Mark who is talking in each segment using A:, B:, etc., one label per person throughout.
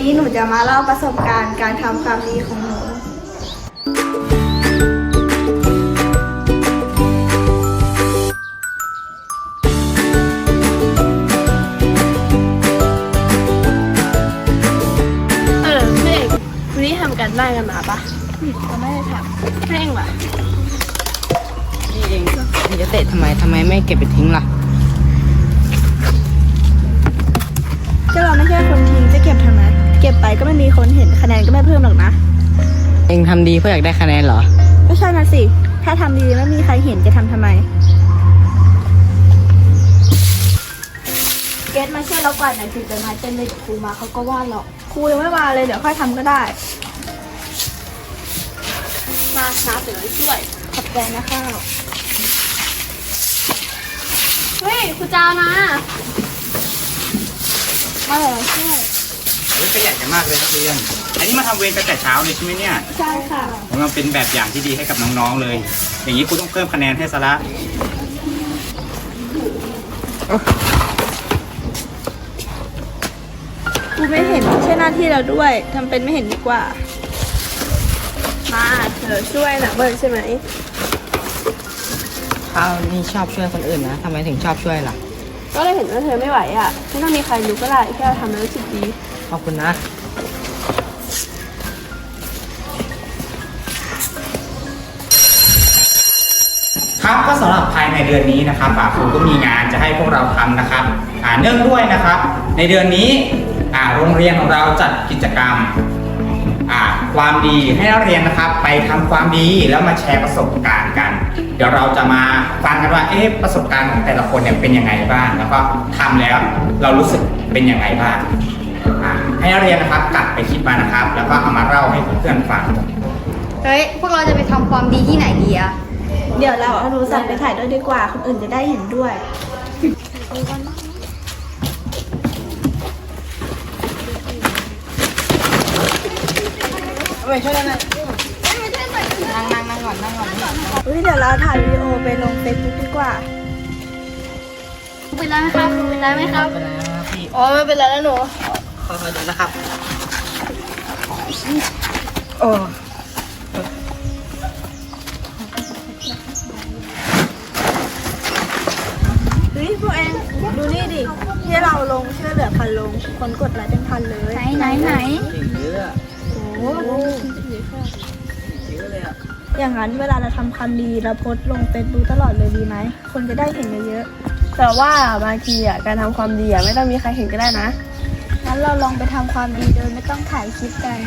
A: นี้หนูจะมาเล่าประสบการณ์การทำความดีของหนู
B: เมฆวันนี้ทำกันบ้านกันมาปะ
A: เราไม่ได้ท
B: แม่งว่ะ
C: นี่เองมึงจะเตะทำไมไม่เก็บไปทิ้งล่ะ
A: ำก็เราไม่ใช่คนทิ้งจะเก็บทำไม เก็บไปก็ไม่มีคนเห็นคะแนนก็ไม่เพิ่มหรอกนะ
C: เองทำดีเพื่ออยากได้คะแนนเหรอ
A: ไม่ใช่นะสิ ถ้าทำดีไม่มีใครเห็นจะทำทำไม เกตมาช่วยเราก่อนหน่อยสิเดี๋ยวนายเต้นเลยเดี๋ยวครูมาเขาก็ว่าหรอกครูยังไม่มาเลยเดี๋ยวค่อยทำก็ได้
B: มาน้าเดี๋ยวช่วย
A: ขอบใจนะข้าว
B: เฮ้ยครูเจ้านะ
A: มาเลยช่วย
D: ขยันกันมากเลยนักเรียน อันนี้มาทำเวรกันแต่เช้าเลยใช่ไหมเนี่ย
A: ใช่ค่ะ
D: ผมว่าเป็นแบบอย่างที่ดีให้กับน้องๆเลย อย่างนี้ครูต้องเพิ่มคะแนนให้ซะละ
A: ครูไม่เห็นไม่ใช่หน้าที่เราด้วยทำเป็นไม่เห็นดีกว่า
B: มาเธอช่วยนะเบิร์นใช่ไหม
C: ข้าวนี่ชอบช่วยคนอื่นนะทำไมถึงชอบช่วยล่ะ
B: ก็เลยเห็นว่าเธอไม่ไหวอ่ะไม่ต้องมีใครรู้ก็ได้แค่เราทำแล้วรู้สึกดี
C: ขอบคุณนะ
D: ครับก็สำหรับภายในเดือนนี้นะครับครูก็มีงานจะให้พวกเราทำนะครับเนื่องด้วยนะครับ ในเดือนนี้โรงเรียนของเราจัดกิจกรรมความดีให้นักเรียนนะครับ ไปทำความดีแล้วมาแชร์ประสบการณ์กัน เดี๋ยวเราจะมาฟังกันว่าประสบการณ์ของแต่ละคนเนี่ยเป็นยังไงบ้างแล้วก็ทำแล้วเรารู้สึกเป็นยังไงบ้างให้นักเรียนนะครับกลับไปคิดมานะครับ แล้วก็เอามาเล่าให้เพื่อนๆฟัง
E: เฮ้ย พวกเราจะไปทำความดีที่ไหนดีอะ
A: เดี๋ยวเราเอาโทรศัพท์ไปถ่ายด้วยดีกว่า คนอื่นจะได้เห็นด้วย
C: ไปช่วยกันนะนั่งก่อน
A: เฮ้ยเดี๋ยวเราถ่ายวิดีโอไปลงเฟซบุ๊กดีกว่า
E: เป็นไรไหมครับเป็นไรไหมครับ
C: เป็นไรนะครับพี่
B: อ๋อไม่เป็นไรแล้วหนู
C: ขอดูนะครับ โอ้
A: เฮ้ยพวกเองดูนี่ดิ ที่เราลงช่วยเหลือพันลง คนกดไลค์เป็นพันเลย
E: ไหน
C: เยอะ
A: โอ้โห
C: เยอะเลยอ่ะ
A: อย่างนั้นเวลาเราทำความดีเราโพสต์ลงเฟซบุ๊กตลอดเลยดีไหม คนจะได้เห็นเยอะ
B: แต่ว่าบางทีอ่ะการทำความดีอ่ะไม่ต้องมีใครเห็นก็ได้นะ
A: ๆงั้นเราลองไปทำความดีโดยไม่ต้องถ่ายคลิปกัน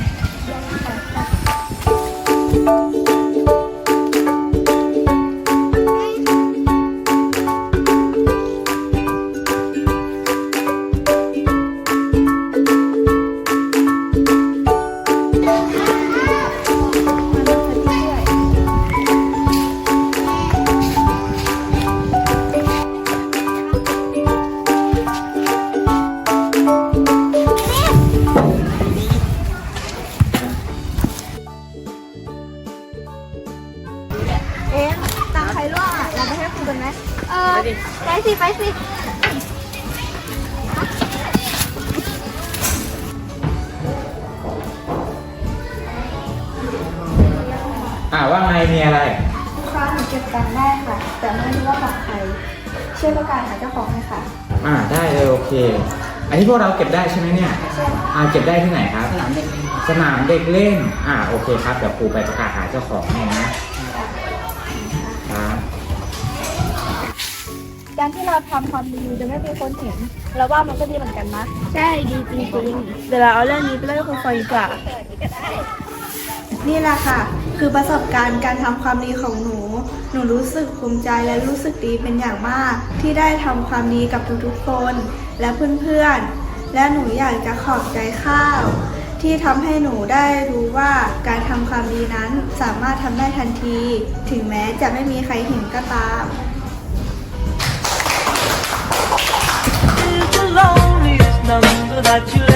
A: เอ๊ะตามใครร่วงอ่ะ เราไปให้ครูกันไหม
E: ไปสิ ไปสิ
D: ว่าไงมีอะไร
A: ค่ะหนูเก็บตังค์ได้ค่ะ แต่ไม่รู้ว่าของใครช่วยประกาศหาเจ้าของเลยค่ะ
D: ได้เลยโอเค อันนี้พวกเราเก็บได้ใช่ไหมเนี่ยเก็บได้ที่ไหนครับ สนามเด็กเล่นโอเคครับเดี๋ยวครูไปประกาศหาเจ้าของให้นะครับ
A: การที่เราทำความดีโดยไม่มีคนเห็นเราว่ามันก็ดีเหมือนกันนะ
E: ใช่ดีจริง
B: เดี๋ยวเราเอาเรื่องนี้ไปเล่าให้ครูฟังดีกว่า
A: นี่แหละค่ะ คือประสบการณ์การทำความดีของหนู หนูรู้สึกภูมิใจและรู้สึกดีเป็นอย่างมาก ที่ได้ทำความดีกับทุกๆคนและเพื่อนๆ และหนูอยากจะขอบใจข้าว ที่ทำให้หนูได้รู้ว่าการทำความดีนั้นสามารถทำได้ทันที ถึงแม้จะไม่มีใครเห็นก็ตาม
F: is the loneliest number that you'll